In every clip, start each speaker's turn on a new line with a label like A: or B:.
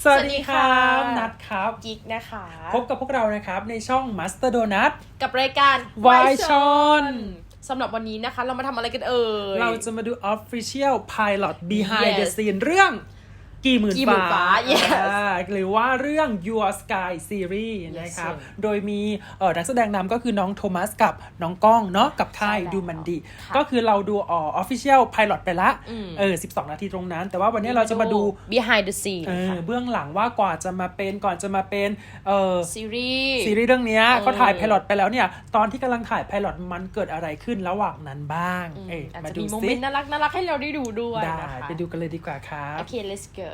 A: สวัสดีครับนัดครับ
B: กิ๊กนะคะ
A: พบกับพวกเรานะครับในช่อง Master Donut
B: กับรายการ
A: Why ชอน
B: สำหรับวันนี้นะคะเรามาทำอะไรกันเอ่ย
A: เราจะมาดู Official Pilot Behind the
B: Yes
A: Scene เรื่องกี่หมื่นฟ้า
B: Yes
A: หรือว่าเรื่อง Your Sky Series นะครับ โดยมีนักแสดงนำก็คือน้องโทมัสกับน้องก้องเนาะกับค่ายดูมันดีก็คือเราดูOfficial Pilot ไปละ12 นาทีตรงนั้นแต่ว่าวันนี้เราจะมาดู
B: Behind the Scene
A: เบื้องหลังว่าก่อนจะมาเป็น
B: ซีรีส์
A: เรื่องนี้เขาถ่ายไพลอตไปแล้วเนี่ยตอนที่กำลังถ่ายไพลอตมันเกิดอะไรขึ้นระหว่างนั้นบ้าง
B: มาดูซิมีโมเมนต์น่ารักให้เราได้ดูด้วยนะคะ
A: ไปดูกันเลยดีกว่าครับ
B: โอเค let's go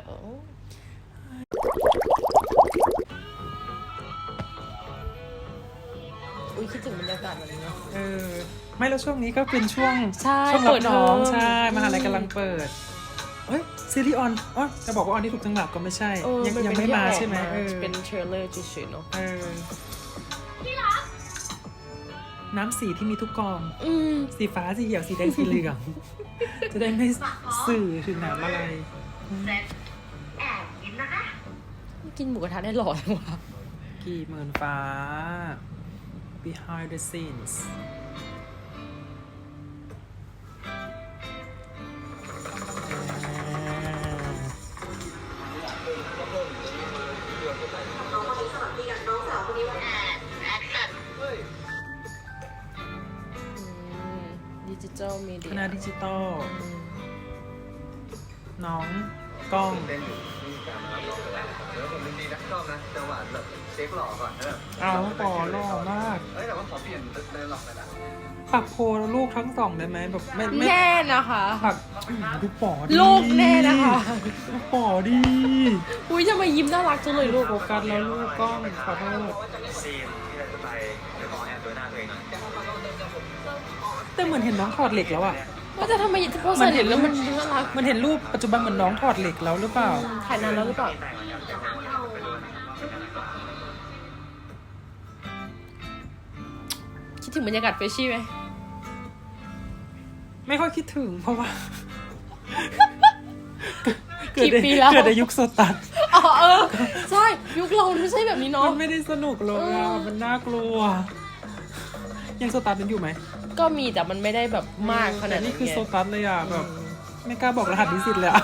B: อุ้ยคิดถึงบรรยากาศแบบนี้เนาะ
A: ไม่แล้วช่วงนี้ก็เป็นช่วง
B: เปิ
A: รับน้องใช่มหาลัยกำลังเปิดซีรีส์ออนจะบอกว่าออนที่ถูกจังหวัดก็ไม่ใช่ยังไม่มาใช่ไหม
B: เป็นเทรลเลอร์เฉยๆเนาะ
A: น้ำสีที่มีทุกกองสีฟ้าสีเขียวสีแดงสีเหลืองจะได้ไม่สื่อถึงน้ำอะไร
C: แอบกินนะคะ
B: กินหมูกระทะได้หล่อจังวะ
A: กี่หมื่นฟ้า behind the scenes
B: ดิจิทัลมีเดีย
A: คณะดิจิตอลน้องกล้อง
D: เต้นอยู่ที่การรับร้องไปแล้วแล้วผมจริงๆนะชอบนะจังหวะแบบเช็คหล่อก่อนแบบ
A: ต่อหล่อมาก
D: แต่ว่าขอเปลี่ยนเดินหลอกไปนะ
A: ปักโพลูกทั้งสองได้ไหมแบบไม่
B: แน่นะคะ
A: ปักดูปอดี
B: ลูกแน่นะคะ
A: ดูปอดี
B: อุ้ยทำไมยิ้มน่ารักจังเลยลูก
A: โฟกัสแล้วลูกกล้องขอโทษ
D: ซีนที่เราจะไปเดี๋ยวขอแอบดูหน้าตัวเองหน่อย
A: แต่เหมือนเห็นน้องถอดเหล็กแล้วอะ
B: ว่าจะทำไมพอใส่เหล็กแล้วมันน่ารัก
A: มันเห็นรูปปัจจุบันเหมือนน้องถอดเหล็กแล้วหรือเปล่า
B: ถ่ายนานแล้วหรือเปล่าคิดถึงบรรยากาศเฟรชชี่ไหม
A: ไม่ค่อยคิดถึงเพราะว่า
B: เกิ
A: ดในยุคโซตัส
B: ใช่ยุคเราไม่ใช่แบบนี้เนาะ
A: มันไม่ได้สนุกเลยมันน่ากลัวยังโซตัสเป็นอยู่ไหม
B: ก็มีแต่มันไม่ได้แบบมากขนาดนี้
A: นี่คือโซตัสเลยอ่ะแบบไม่กล้าบอกรหัสนิสิตเลยอ่ะ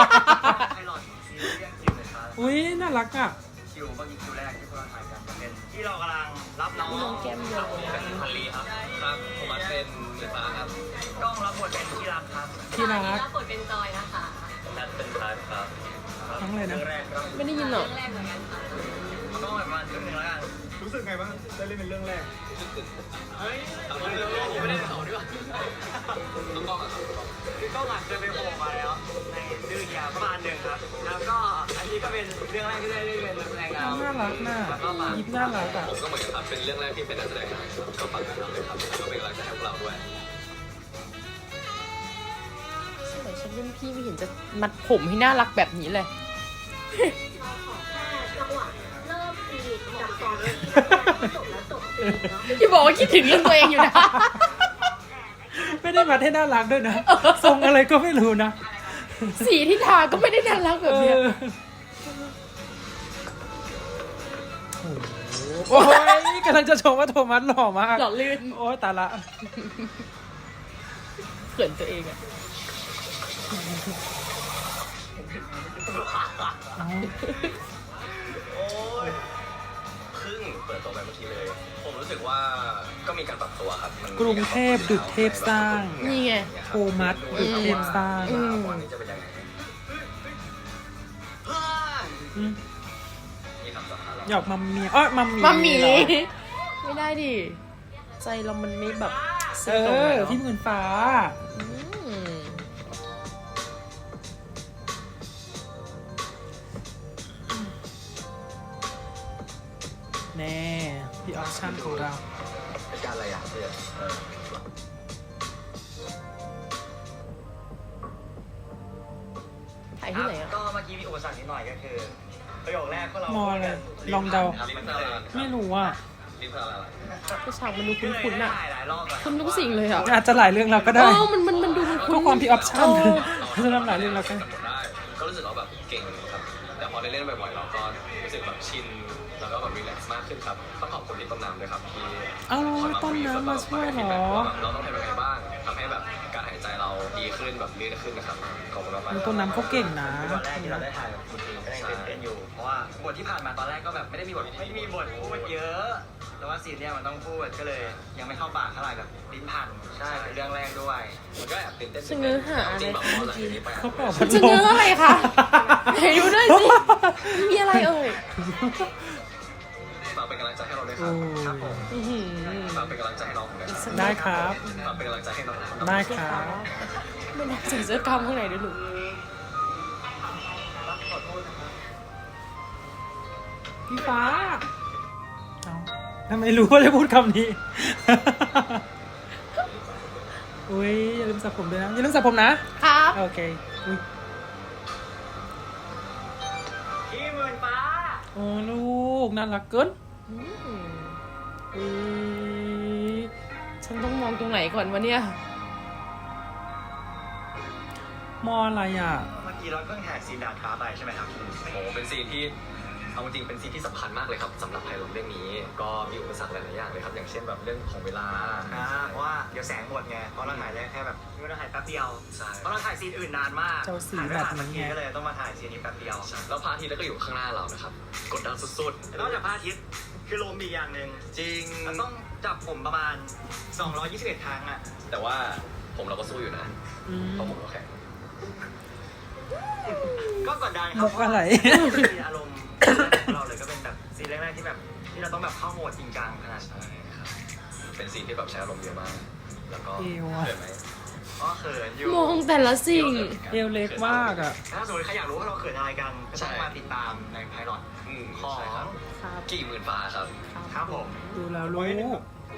A: อุ้ยน่ารักอ่ะ
D: คิวเมื่อกี้คิวแรกที่พวกเราถ่ายกันเป็นที่เรากำลังรับน้อง
B: แก้มเยอะ
D: เป็นพันลีครับผมมาเป็นเดือดฟ้าครับกล้องรับบทเป็นที่รักครับ
A: ที่รัก
C: รับบทเป็นจอยนะคะ
D: นัดเป็นท้ายครับ
A: ทั้งเลยนะ
B: ไม่ได้ยินหรอก
D: กล้องแบบมาถึงหนึ่งแล้วกันรู้สึกไงบ้างได้เล่นเป็นเรื่องแรกเฮ้ยไม่ได้สองดีกว่าน้องกล้องอ่ะคือกล้องอ่ะเคยไปโผล่มาแล้วในดื้อยาประมาณหนึ่งครับแล้วก็อันนี้ก็เป็นเรื่องแรกที่ได้เล่นเป็นนักแสดงนำ
A: น่ารักน่ะยิ้มน่ารักอ่ะ
D: ผมก็เหมือนกันครับเป็นเรื่องแรกที่เป็นนักแสดงนำก็ฝากติดตามด้วยครับก็เป็นกำลังใจให้พวกเราด้วย
B: สมัยฉันรุ่นพี่ไม่เห็นจะมัดผมให้น่ารักแบบนี้เลยที่บอกว่าคิดถึงเรื่องตัวเองอยู่นะ
A: ไม่ได้มาให้น่ารักด้วยนะทรงอะไรก็ไม่รู้นะ
B: สีที่ทาก็ไม่ได้น่ารักแบบนี้
A: โอ้ยกำลังจะชมว่าโทมัสหล่อมาก
B: หล่อลื่น
A: โอ้ยตายละ
B: เขินตัวเองอะ
D: เปิดตัวไปเมื่อกี้เลยผมรู้สึกว่าก็มีการปรับตัวครับ
A: กรุงเทพดุจเทพสร้าง
B: นี่ไง
A: โทมัสดุจเทพสร้าง
D: วันนี้จะเป็นยังไง
A: หยอกมัมมี่มัมมี่
B: ไม่ได้ดิใจเรามันไม่แบบ
A: พี่หมื่นฟ้าแน่พี่ออปชั่นของเรา
D: เป็นการอะไรอ่ะเพื่อน
B: ถ่ายที่ไหนอ่ะ
D: ก็เมื่อกี้มีอุปสรรคนิดหน่อยก็คือประโยคแรกพวกเรา
A: มออะไรลองเดาไม่รู้อ่ะ
B: ฉากมันดูคุ้นๆอ่ะคุ้นทุกสิ่งเลยอ่ะ
A: อาจจะหลายเรื่องเราก็ได้
B: มันดูคุ้น
A: ก็ความพี่ออปชั่นจะทำหลายเรื่องเราก็
D: ก็รู้สึกว่าแบบเก่งครับแบบ
E: พอได้เล่นบ่อยๆเราก็รู้สึกแบบชินแล้วก็แบบรีแลกซ์มากขึ้นครับต้องขอบคุณที่ต้นน้ำด้วยครับที่
A: เอาต้นน้ำมาช่วยเหรอ
E: เราต้องทำยังไงบ้างทำให้แบบการหายใจเราดีขึ้นแบบลื่นขึ้นนะครับขอบคุณมากๆ
A: ต้นน้ำเขาเก่งนะ
D: ตอนแรกที่เราได้ถ่ายกับคุณทีก็ยังตื่นเต้นอยู่เพราะว่าบทที่ผ่านมาตอนแรกก็แบบไม่ได้มีบทพูดเยอะ แต่ว่าซีนเนี้ยมันต้องพูดก็เลยยังไม่เข้าปากเท่าไหร่แบบลิ้นพันใช่เป็นเรื่องแรกด้วย
E: มันก็แอบตื่นเต้น
B: จะเนื้อหาอะไร
E: จริงแบบ
B: คะ
E: พอ
B: เมื่
E: ห
B: อ
E: ลัง
B: กี้
E: จากนี้ไป
A: เขาเป่าพัด
B: จะ
A: ล
B: เนื้อ
A: ม
B: อะไรคะไหนดูด้วยสิมีอะไรเอ่ย
E: ฝากเป็นกำลังใจให้เราด้วยครับ
D: ครับผม
B: อื้อหือ
E: ฝากเป็นกำลังใจให้น้องผมด้วยครับ
A: ได้ครับ
E: ฝากเป็นกำลังใจให้น้องผม
A: ได้
B: ใช่
A: ครั
B: ค่ะ
A: บ
B: ไม่ได้ใส่เสื้อกล้ามข้างในด้วยหนู
A: พี่ฟ้าเอาทำไมรู้ว่าจะพูดคำนี้ อุ้ยอย่าลืมสระผมด้วยนะ อย่าลืมสระผมนะ
B: ครับ
A: โอเคอุ้ย
D: พี่หมื่นฟ้า
A: โอ้ลูกน่ารักเกิน
B: อืม
A: อุ้ย
B: ฉันต้องมองตรงไหนก่อนวะเนี่ย
A: มออะไรอ่ะ
D: เมื่อกี้เราเพิ่งถ่ายซีนดาดฟ้าไปใช่ไหมครับ
E: โอ้เป็นซีนที่เอาจริงเป็นซีนที่สำคัญมากเลยครับสำหรับไพลอตเรื่องนี้ก็มีอุปสรรคหลายๆอย่างเลยครับอย่างเช่นแบบเรื่องของเวลา
D: เพราะว่าเดี๋ยวแสงหมดไงเพราะเราถ่ายได้แค่แบบเราถ่ายแป๊บเดียว
E: ใช่
D: เพราะเราถ่ายซีนอื่นนานมาก
A: เจ้าสี
D: ถ่ายไม่
A: แบบ
D: ทันสักที
A: นี้ไง
D: ก็เลยต้องมาถ่ายซีนนี้แป๊บเดียว
E: แล้วพระอาทิตย์ก็อยู่ข้างหน้าเรานะครับกดดันสุด
D: นอกจากพระอาทิตย์คือลมอีกอย่างหนึ่ง
E: ๆจริง
D: มันต้องจับผมประมาณ 221 ครั้งอ่ะ
E: แต่ว่าผมเราก็สู้อยู่นะ
A: อืม
E: เพราะผมก็แข็ง
D: ก็กดดันครั
A: มุกอะไร
D: ซีนอารมณ์ของเราเลยก็เป็นแบบซีนแรกๆที่แบบที่เราต้องแบบเข้าโหมดจริงจังขนาดนั้น
E: ใช่ครับเป็นซีนที่แบบใช้อารมณ์เยอะมาก แล้วก็
A: เอวอะ
E: เขินไหม
D: อ๋อเขินอยู่
B: มองแต่ละสิ่ง
A: เอวเล็กมากอ่ะ
D: ถ้าสมมติใครอยากรู้ว่าเราเขินอะไรกันก็ต้องมาติดตามในไพลอต ของ
E: ใช่ครับ
B: ครับ
E: กี่หมื่นฟ้าครับ
D: ครับผม
A: ดูแล้วลูก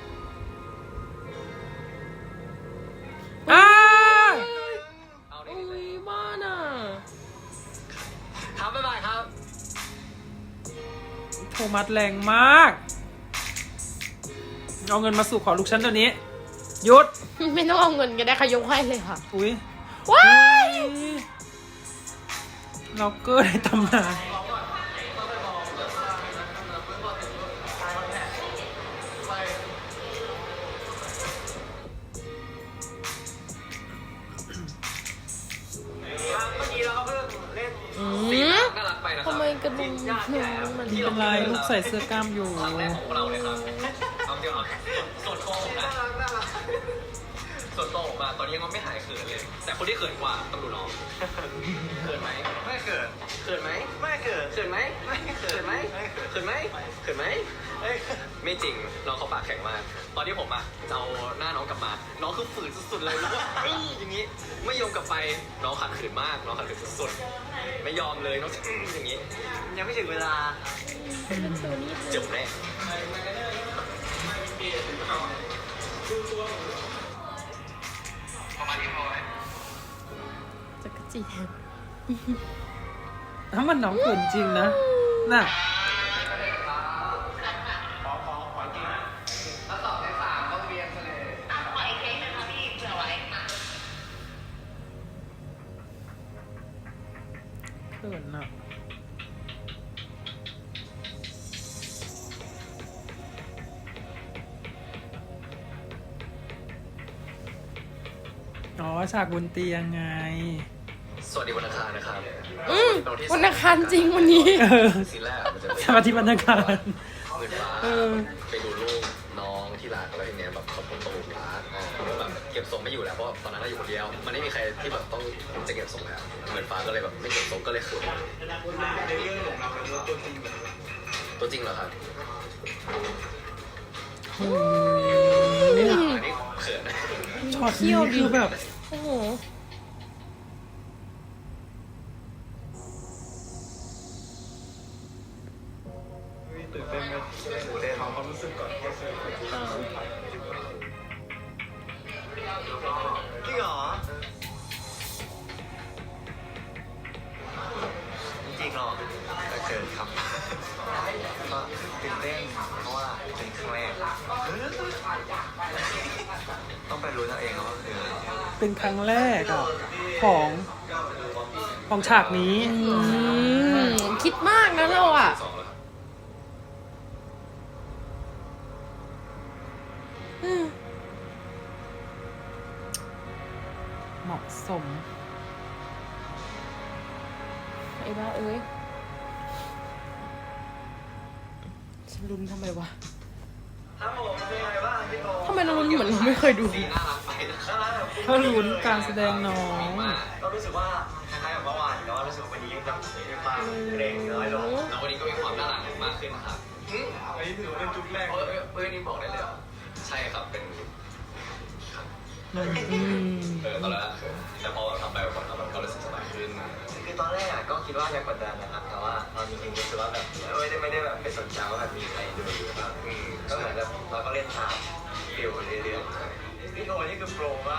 A: อ้า
E: เอา
B: โอ้
E: ดิ
B: ยบ้านอ่ะ
E: ครับบ๊ายบายครับ
A: โทมัสแรงมาก เอาเงินมาสู่ขอลูกฉันเดี๋ยวนี้หยุด
B: ไม่ต้องเอาเงินกันได้ค่ะยกให้เลยค่ะ
A: อุ้ย
B: ว้าย
A: ล็อกเกอร์ในตำนาน
D: เมื่อกี้เราก็เพิ่งเล่น
B: อื
E: ซีน
B: ม
E: น่ารักไปนะครับ
B: ทำไมกระดุมมัน
A: ไม่เป็นไรลูกใส่เสื้อกล้ามอยู่
E: ครั้งแรกของพวกเราเลยครับ เอาจริงเอาส่วนตัวผมนะ
D: น่ารัก
E: ส่วนตัวผมอะตอนนี้ยังไม่หายเขินเลย แต่คนที่เขินกว่าต้องดูน้องเขินไหม
D: ไม่เขิน
E: เขินไหม
D: ไม่เขิน
E: เขินไหม
D: ไม่เขิ
E: เขิ
D: น
E: นไหมเขินไหมเขินไหม
D: ไม่
E: ไม่จริง น้องเขาปากแข็งมาก ตอนที่ผมอะจะเอาหน้าน้องกลับมา น้องคือฝืนสุดๆเลยแล้วก็อย่างนี้ ไม่ยอมกลับไป น้องขัดขืนมาก น้องขัดขืนสุดๆ ไม่ยอมเลย น้องจะอย่างนี้
D: ยังไม่ถึงเวลา
E: เจ็บแน่
B: จักรจีแทน
A: ถ้ามันน้องเขินจริงนะ น่ะ
C: ขออีกเพลงหนึงค่ะพี่เผื่อไว้ค่ะ
A: เขินอ่ะ อ๋อ ฉากบนเตียงไง
E: สวัสดีวันอังคารนะครับ
B: อืมวันอังคารจริงวันนี้
A: เออ
E: ซีนแรกมันจะเป็น
A: สวัสดีบรรยากาศ
E: หมื่นฟ้า
A: เออ
E: ไปดูลูกน้องที่รักแล้วทีเนี้ยแบบเขาตกรักแล้วแบบเก็บทรงไม่อยู่แล้วเพราะตอนนั้นเราอยู่คนเดียว มันไม่มีใครที่แบบต้องจะเก็บทรงแล้วเหมือนฟ้าก็เลยแบบไม่เก็บทรงก็เลยเขิน
D: ในเรื่องของเราเป็นตัวจริงแบบ
E: ตัวจริงเหรอครับ
A: โอ้
E: ไม่
A: ย
E: ถามอันนี้เขินนะ
A: ช็อตนี้คือแบบ
B: โอ้โห
D: ตื่นเต้นไหมตื่นเต้นความรู้สึกก่อนเข้าสู่จริงเหรอจริงเหรอก็เกินครับก็ตื่นเต้นเพราะว่าเป็นครั้งแรกต้องไปรู้ตัวเองว่าคือ
A: เป็นครั้งแรกอ่ะ ของของฉากนี้
B: คิดมากนะเราอ่ะ
E: สองแล้วครับ
A: เหมาะสม
B: ไอ้บ้าเอ้ยฉันลุ้นทำไมวะ
D: ครับผมเป็นไงบ้างพี่โต
B: ทำไมเราลุ้นเหมือนเราไม่เคยดู
E: สีน่ารักไปนะครับ
A: ถ้าลุ้นการแสดงน้อง
D: ก็รู้สึกว่าคล้ายๆกับเมื่อวานแต่ว่ารู้สึกว่าวันนี้แบบมีความเกรงน้อยลง
E: แล้ววันนี้ก็มีความน่ารักมากขึ้นครับ
D: อันนี้ถือว่าเป็นจุดแรก
E: นี่บอกได้เลยเหรอใช่ครับเป็นครับ
A: อืม
E: ตอนแรกเขินแต่พอทำไปแบบมันก็รู้สึกสบายขึ้น
D: คือตอนแรกก็คิดว่าจะกดดันนะครับแต่ว่าตอนจริงๆรู้สึกว่าแบบไม่ได้แบบไปสนใจว่าแบบมีใครดูอยู่ครับก็เหมือนแบบเราก็เล่นตามฟิลเรื่อยๆพี่โตนี่คือโปรมาก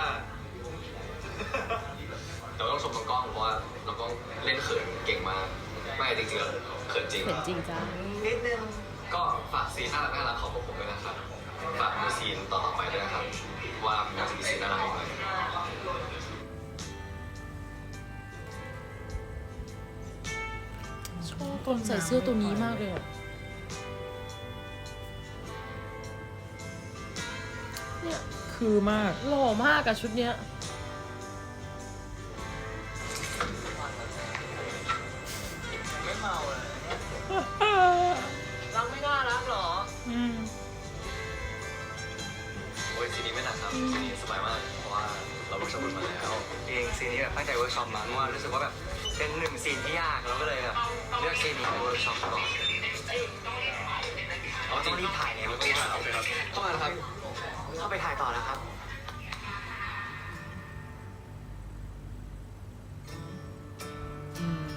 E: แต่ว่าต้องชมน้องกล้องเพราะว่าน้องกล้องเล่นเขินเก่งมากไม่จริงๆแล้วเขินจริง
B: เห็นจริงจ้า
D: นิดนึง
E: ก็ฝากซีนน่ารักของพวกผมด้วยนะครับฝากดูซีนต่อไปด้วยนะครับว่ามันจะมีซีนน่ารักอีกไหม
B: ชอบตอนใส่เสื้อตัวนี้มากเลยอ่ะเนี่ย
A: คือมาก
B: หล่อมากอะชุดเนี้ย
D: ไม่เมาเลยรักไม่น่ารักหรอ
A: อืม
E: โอ้ยซีนนี้ไม่หนักครับซีนนี้สบายมากเพราะว่าเราเวิร์กช็อปกันมาแล้ว
D: เองซีนนี้แบบตั้งใจเวิร์กช็อปมาเพราะว่ารู้สึกว่าแบบเป็นหนึ่งซีนที่ยากเราก็เลยแบบเลือกซีนนี้ไปเวิร์กช็อปก่อน
E: เอาจริง
D: ต้องรีบถ่ายแล้ว
E: ต้องรีบถ่ายโอเคครับเข้ามานะครับ
D: เข้าไปถ่ายต่อแล้วครับ
A: อืม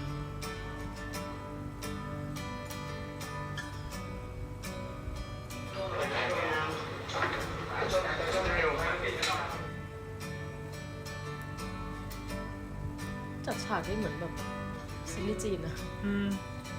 B: จัดฉากได้เหมือนแบบซีรีส์จีนนะ
A: อืม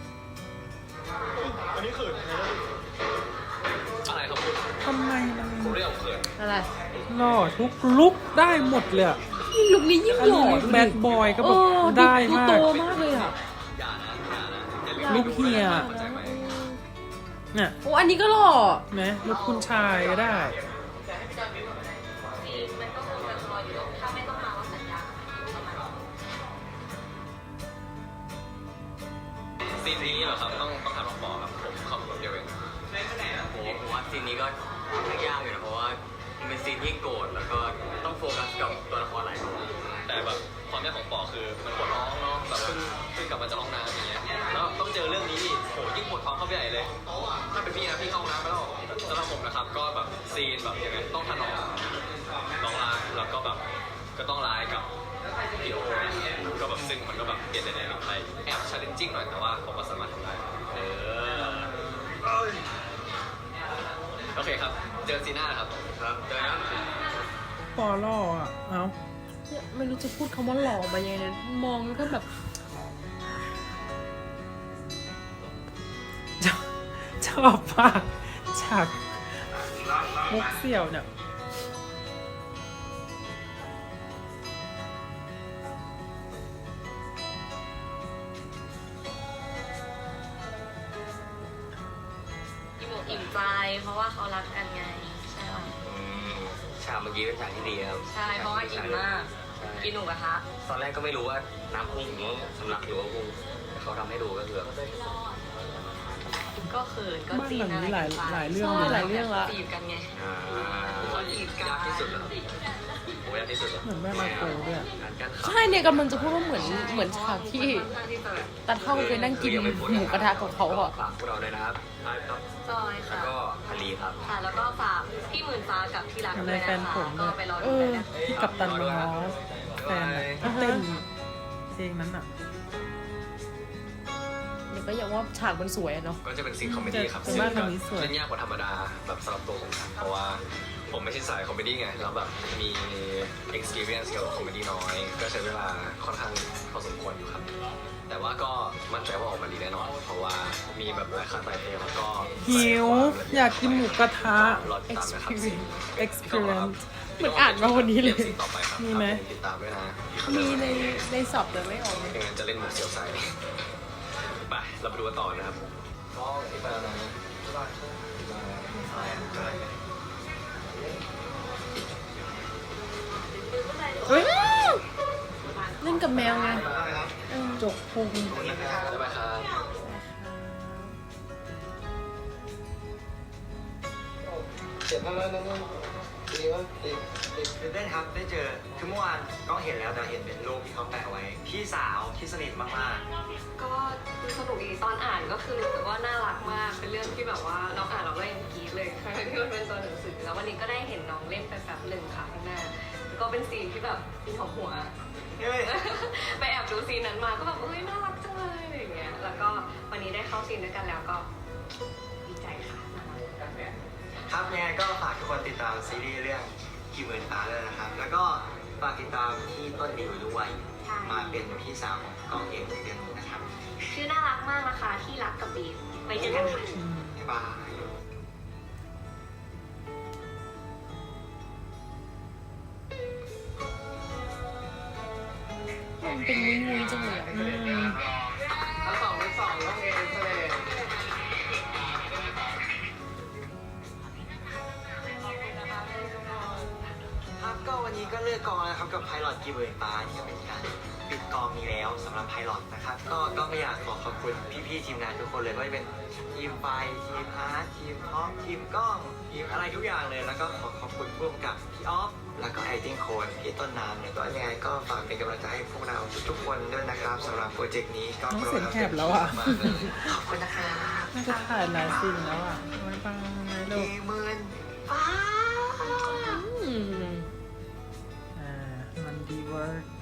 D: อันนี้เขิน
E: อะไรครับคุณ
A: ทำไมมัน
E: ผมเรียกเขิน
B: อะไร
A: หล่อทุกลุกได้หมดเลยอะ
B: นี่ลุคนี้ยิ่ง
A: อัน
B: หล่
A: นี้
B: อ
A: ลุค
B: ดู
A: แบ
B: ดิ
A: ดบอยก็
B: เอ
A: แบบ
B: อ
A: ได้
B: ดู
A: มา
B: โต
A: ก
B: มากเลยอ่ะ
E: อย่านะอย่านะอย่า
A: ลูกเฮีย
E: เข้าใจไหม
A: เนี่ย
B: โอ้อันนี้ก็หล่อ
A: ไหมลูกคุณชายก็ได้
C: ซีนมันก็คงจะรออยู่ ถ้าไม่ต้องมาว่าสัญญาประมาณ
E: ซีนนี้เหรอครับต้องถามน้องปอครับผมขับรถเดียวเอง
D: ผมว่าซีนนี้ก็ยากอยู่นะเพราะว่ามันเป็นซีนที่โกรธแล้วก็ต้องโฟกัสกับตัวละครหลายตัว
E: แต่แบบความยากของปอคือมันปวดท้องเนาะแบบเพิ่งกลับมาจากห้องน้ำอย่างเงี้ยแล้วต้องเจอเรื่องนี้อีกโหยิ่งปวดท้องเข้าไปใหญ่เลยถ้าเป็นพี่นะพี่เข้าห้องน้ำไปแล้วสำหรับผมนะครับก็แบบซีนแบบยังไงต้องถนอมน้องรักแล้วก็แบบก็ต้องร้ายกับพี่โอก็แบบซึ่งมันก็แบบเปลี่ยนในแนวไปแอบชาเลนจิ้งหน่อยแต่ว่าผมก็สามารถทำได้โอเคครับเจอซีน่าครับครับเจอกัน
A: ปอล่ออ่ะ เอ้า
B: เนี่ยไม่รู้จะพูดคำว่าหล่อมายังไงนะมองแล้วก็แบบ
A: ชอบมากฉากมุกเสี่ยวเนี่ย
C: อิ่มใจ เพราะว่าเขารักกันไง ใช่ป่ะ
D: ฉากเมื่อกี้เป็นฉากที่ดีครับ
C: ใช่ เพราะว่าอิ่มมาก กินหนูกระทะ
D: ตอนแรกก็ไม่รู้ว่าน้ำพุ่งหรือสำลักหรือว่าพุ่งแต่เขาทำให้ดูก็คือแบบ
C: ก็เขินก็
A: บ้าน
C: จี
A: ห
C: น
A: ลัง
C: อะไร
A: นี้หลาย
C: กันไป
A: หลายเรื่อง
B: ใช่
A: เลย
B: หลาย
A: นะ
B: เรื่องละ
C: จีบกันไง
D: เขาจีบกันยากที่สุดแล้วโอ้ยากที่สุดแล้ว
A: เหมือนแม่มาโกด้วยอะ
D: งานกั้นขา
B: ใช่เนี่ยกำลังจะพูดว่าเหมือนฉากที่
C: ค่อนข้างที่จะแบบ
B: ตาเท่าไปนั่งกินหมูกระทะกับเขาอ่ะ
D: ฝากพวกเราด้วยนะครับครับ
C: จอย
D: แล้ว
C: ค่ะ
D: ก็อาลีครับ
C: ค่ะ แล้วก็ฝากพี่หมื่นฟ้ากับที่รัก
A: ใน
C: ด้วย
A: แฟ
C: นะ
A: นผ
C: คะ
A: ม
C: ก็
A: เนี่ย
C: ไปรอดูกันนะคะ
A: ที่กับตันมอสแฟนอะที่เต้นเพลงนั้นอ่ะ
B: เดี๋ยวก็อย่างว่าฉากมันสวยอะเนาะ
E: ก็จะเป็นซีนคอมเมดี้ครับ
A: แต่ว่าทางนี้สวย
E: เล่นยากกว่าธรรมดาแบบสำหรับตัวผมครับเพราะว่าผมไม่ใช่สายคอมเมดี้ไงแล้วแบบมี experience เกี่ยวกับคอมเมดี้น้อย ก็ใช้เวลาค่อนข้างพอสมควรอยู่ครับ แต่ว่าก็มั่นใจว่าออกมาดีแน่นอน เพราะว่ามีแบบหลายค่าไตเต้แล้วก็
A: หิวอยากกินหมูกระทะ
E: รอติดตามนะครับ
A: experience
B: เหมือนอ่านมาวันนี้เลย
E: สิ่งต่อไปครับ
A: มีไหม
E: ติดตามด้วยนะ
B: มีในสอบแต่ไม่ออกเลย
E: ไม่งั้นจะเล่นมุกเสียวไซไปเราไปดูกันต่อนะครับก็ที่ไปแล้วนะ
B: เฮ้ยเล่นกับแมวไง
A: จกพุง
E: บ๊ายบายครับ
D: ตื่นเต้นครับได้เจอคือเมื่อวานก็เห็นแล้วแต่เห็นเป็นรูปที่เขาแปะไว้พี่สาวที่สนิทมาก
C: ก็ดูสนุกดีตอนอ่านก็คือรู้สึกว่าน่ารักมาก เป็นเรื่องที่แบบว่าเราอ่านเราก็ยังกรี๊ดเลยทั้งที่มันเป็นตัวหนังสือแล้ววันนี้ก็ได้เห็นน้องเล่นไปแบบหนึ่งค่ะข้างหน้าแล้วก็เป็นซีนที่แบบซีนของหัว
D: ๆเฮ้ย
C: ไปแอบดูซีนนั้นมาก็แบบเอ้ยน่ารักจังเลยอะไรอย่างเงี้ยแล้วก็วันนี้ได้เข้าซีนด้วยกันแล้วก็ดีใจค่ะ
D: ครับยังไงก็ฝากทุกคนติดตามซีรีส์เรื่องกี่หมื่นฟ้าเลยนะครับ แล้วก็ฝากติดตามที่ต้นดิวด้วย
C: ใช่
D: มาเป็นพี่สาวของกองเอกเดือนนี้นะครับ
C: ชื่อน่ารักมากนะคะที่รักกับบีมไปเจอกันค่ะ
D: บ๊ายบาย
B: มันเป็นมุ้ยๆจังเลยอะ
D: ถ้า2 เป็น 2ต้องเอเซเลครับก็วันนี้ก็เลือกกองแล้วครับกับไพลอตกี่หมื่นฟ้าที่จะเป็นการปิดกองนี้แล้วสำหรับไพลอตนะครับก็ไม่อยากขอบคุณพี่ๆทีมงานทุกคนเลยไม่ว่าจะเป็นทีมไฟทีมอาร์ตทีมท็อปทีมกล้องทีมอะไรทุกอย่างเลยแล้วก็ขอบคุณผู้กำกับพี่ออฟแล้วก็ไอติ้งโคนพี่ต้นน้ำเนี่ยก็ยังไงก็ฝากเป็นกำลังใจให้พวกเราทุกๆคนด้วยนะครับสำหรับโปรเจกต์นี้ก็
A: น้องเสียงแหบแล้วอ่ะ
D: ขอบคุณนะครับ
A: น่าจะถ่ายหลายซีนแล้วอ่ะบ๊ายบายลูก
D: กี่หมื่นฟ้า
B: อืม
A: มันดีเวิร์ด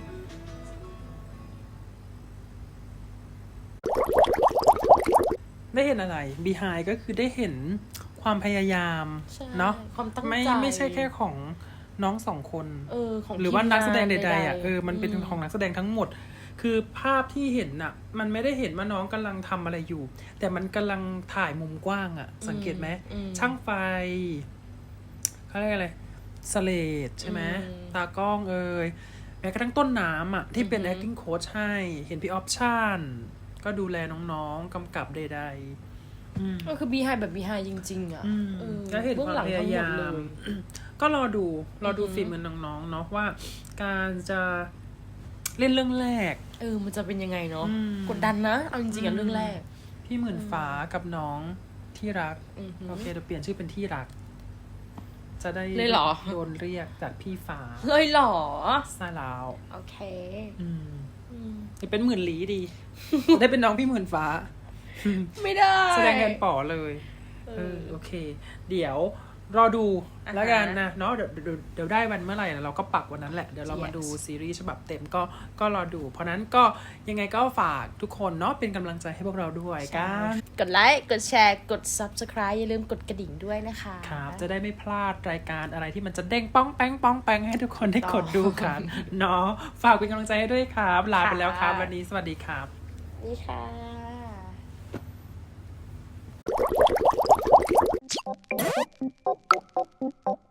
A: ได้เห็นอะไร behind ก็คือได้เห็นความพยายาม
B: ใช่
A: เนาะ
B: ความตั้งใจ
A: ไม่ใช่แค่ของน้องสองคน
B: ของ
A: หรือว่านักแสดงใดๆ
B: ทีมงาน
A: อ่ะมันเป็นของนักแสดงทั้งหมด คือภาพที่เห็นน่ะ มันไม่ได้เห็นว่าน้องกำลังทำอะไรอยู่ แต่มันกำลังถ่ายมุมกว้างอ่ะ สังเกตไหมช่างไฟเขาเรียกอะไรสเลดใช่ไหมตากล้องแม้กระทั่งต้นน้ำอ่ะที่เป็น acting coach ให้เห็นพี่ออปชั่นก็ดูแลน้องๆกำกับใดๆ
B: ก็คือบีไฮแบบบีไฮจริงๆอ่ะ
A: ก็เห็น
B: บื้
A: ความ
B: หลัง
A: พ
B: ทั้
A: ยาง
B: หมด
A: ยา
B: เล
A: ม
B: ย
A: ก็รอดูฝีมือน้องๆเนาะว่า การจะเล่นเรื่องแรก
B: มันจะเป็นยังไงเนาะ
A: อืม
B: กดดันนะเอาจริงๆอ่ะเรื่องแรก
A: พี่หมื่นฟ้ากับน้องที่รัก
B: อือหือ
A: โอเคเราเปลี่ยนชื่อเป็นที่รัก จะได้
B: เลยเหรอ
A: โดนเรียกจากพี่ฟ้า
B: เฮ้ยหรอ
A: ใช่แล้ว
B: โอเค
A: จะเป็นหมื่นหลีดี ได้เป็นน้องพี่หมื่นฟ้า
B: ไม่ได้
A: แสดงแทนป๋อเลย โอเค เดี๋ยวรอดูแล้วกันนะเนาะเดี๋ยวได้วันเมื่อไหร่เราก็ปักวันนั้นแหละ เดี๋ยวเรามาดูซีรีส์ฉบับเต็มก็รอดู เพราะนั้นก็ยังไงก็ฝากทุกคนเนาะเป็นกำลังใจให้พวกเราด้วยกัน
B: กดไลค์ กดแชร์ กด subscribe อย่าลืมกดกระดิ่งด้วยนะคะ
A: ครับจะได้ไม่พลาดรายการอะไรที่มันจะเด้งป้องแป้งป้องแป้งให้ทุกคนได้กดดูกันเนาะฝากเป็นกำลังใจให้ด้วยครับลาไปแล้วครับวันนี้สวัสดีครับ
B: นี่ค่ะ
F: Thank you.